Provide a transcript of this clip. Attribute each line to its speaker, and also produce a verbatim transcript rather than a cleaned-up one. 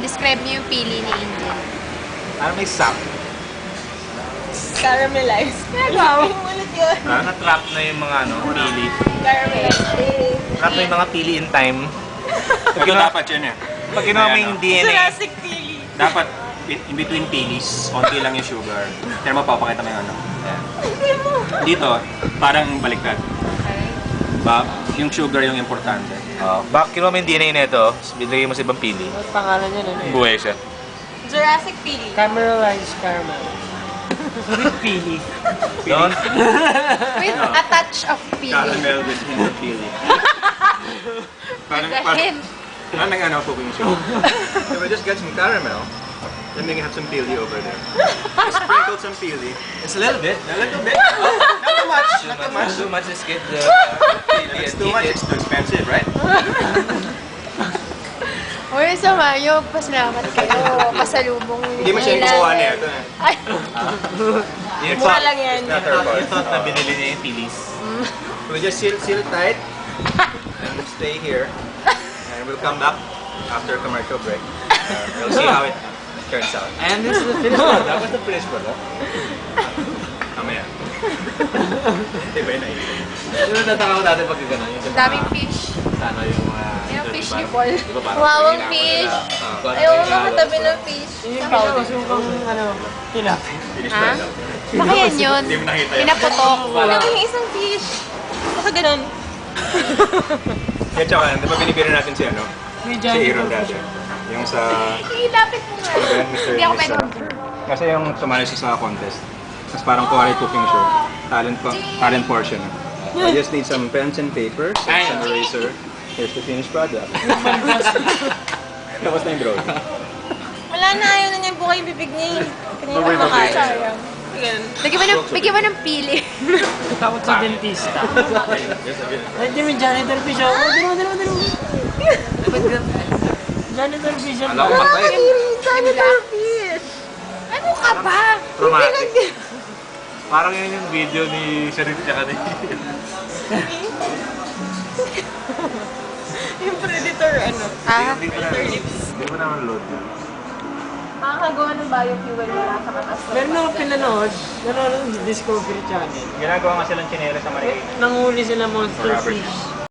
Speaker 1: describe niyo yung pili ni Angel.
Speaker 2: Parang may sap.
Speaker 3: Caramelized.
Speaker 1: Wow.
Speaker 3: Ulit yun.
Speaker 2: Ha? Na-trap na yung mga ano, pili.
Speaker 3: Caramelized.
Speaker 2: Trap na yung mga pili in time.
Speaker 4: Ito dapat yun eh.
Speaker 2: Pag ginawa mo yung D N A,
Speaker 3: Jurassic pili.
Speaker 4: Dapat in between pilis, konti lang yung sugar. Pero mapapakita mo yung ano. Ayan. Dito, parang baliktad. Ba, yung sugar yung importante.
Speaker 2: oh, bak kinuha mo yung D N A nito, binigay mo sa ibang pili.
Speaker 5: Ang pangalan niya ano eh?
Speaker 2: Buhay siya.
Speaker 3: Jurassic pili.
Speaker 5: Caramelized caramel. With pili.
Speaker 2: Don't,
Speaker 1: With a touch of pili.
Speaker 4: Caramel with hint of pili. Parang,
Speaker 1: The
Speaker 4: parang,
Speaker 1: hint.
Speaker 4: parang nag ano cooking show. So we just get some caramel. Then we can have some pili over there. Just sprinkle some pili.
Speaker 2: it's a little bit.
Speaker 4: A little bit. Oh, not too much.
Speaker 2: Too
Speaker 4: Not too
Speaker 2: much,
Speaker 4: much.
Speaker 2: too much is get the uh, pili
Speaker 4: If it's
Speaker 2: and
Speaker 4: too
Speaker 2: eat
Speaker 4: much,
Speaker 2: it.
Speaker 4: it's too expensive, right?
Speaker 1: Uy, sa Mayo, pasalamat kayo. Pasalubong
Speaker 4: Hindi mo siya yung kukuha niya. Ito eh.
Speaker 1: Ay,
Speaker 2: You
Speaker 3: Mura
Speaker 2: thought,
Speaker 3: lang yan.
Speaker 4: Not her fault.
Speaker 2: you thought na binili niya yung pilis.
Speaker 4: We just seal, seal tight and stay here. And we'll come back after commercial break. Uh, we'll see how it turns out.
Speaker 2: And this is the finished product. What's the finished product?
Speaker 4: Mamaya. Hindi ba yun naiinom?
Speaker 2: Yung natataka ko dati pag gano'n. Yung sa mga-
Speaker 1: daming fish.
Speaker 2: Ano yung mga...
Speaker 1: Yung fish
Speaker 2: parang-
Speaker 1: ni Paul.
Speaker 2: di ba parang
Speaker 3: Wow, ang
Speaker 2: ginagawa
Speaker 3: fish.
Speaker 2: nila, ah, kung ano
Speaker 3: Ayaw
Speaker 2: yung
Speaker 3: ko
Speaker 2: ginagawa
Speaker 3: makatabi
Speaker 2: sa-
Speaker 3: ng fish.
Speaker 5: Yung pinakasukang ano, tilapia.
Speaker 4: Finish
Speaker 1: Ha?
Speaker 4: product.
Speaker 1: Baka yan yun.
Speaker 4: Hindi mo nakita yun.
Speaker 1: Pinaputok.
Speaker 3: Wala yung isang fish. Baka ganun.
Speaker 4: Kaya tsaka, di ba binibiro natin si ano?
Speaker 5: May
Speaker 4: Si
Speaker 5: Johnny
Speaker 4: Aaron
Speaker 5: Depp.
Speaker 4: Dasher. Yung sa...
Speaker 1: Ilapit mo nga.
Speaker 4: Ano ba yun, Mister
Speaker 1: Hindi ako
Speaker 4: Mister
Speaker 1: pwede.
Speaker 4: Kasi yung tumali siya sa contest. Tapos parang kuwari cooking show. Talent, po, talent portion. I just need some pens and paper, some eraser. Here's the finished product. Tapos na yung drone.
Speaker 3: Wala na, ayaw na niya yung buka yung bibig niya. Kanina
Speaker 4: Bubay,
Speaker 3: pa
Speaker 4: bubay.
Speaker 3: makain. Sayang. Ganun.
Speaker 1: Bigyan mo ng, bigyan mo ng pili.
Speaker 5: Takot sa dentista. Ay, di may janitor fish ako. Oh, dalawa, dalawa, dalawa. Janitor fish ako.
Speaker 2: Alam ko patay.
Speaker 3: Janitor fish!
Speaker 1: Ano ka ba?
Speaker 2: Traumatic. Parang yun yung video ni Sharif tsaka ni...
Speaker 3: Yung predator, ano?
Speaker 1: Ah,
Speaker 2: Hindi ko na... Hindi ko naman load yun.
Speaker 3: Makakagawa ng biofuel wala sa katas.
Speaker 5: Meron ako pinanood. Nanonood sa Discovery Channel.
Speaker 4: Ginagawa nga silang chinela sa Marikina.
Speaker 5: Nanguli sila monster
Speaker 4: Robert.
Speaker 5: fish.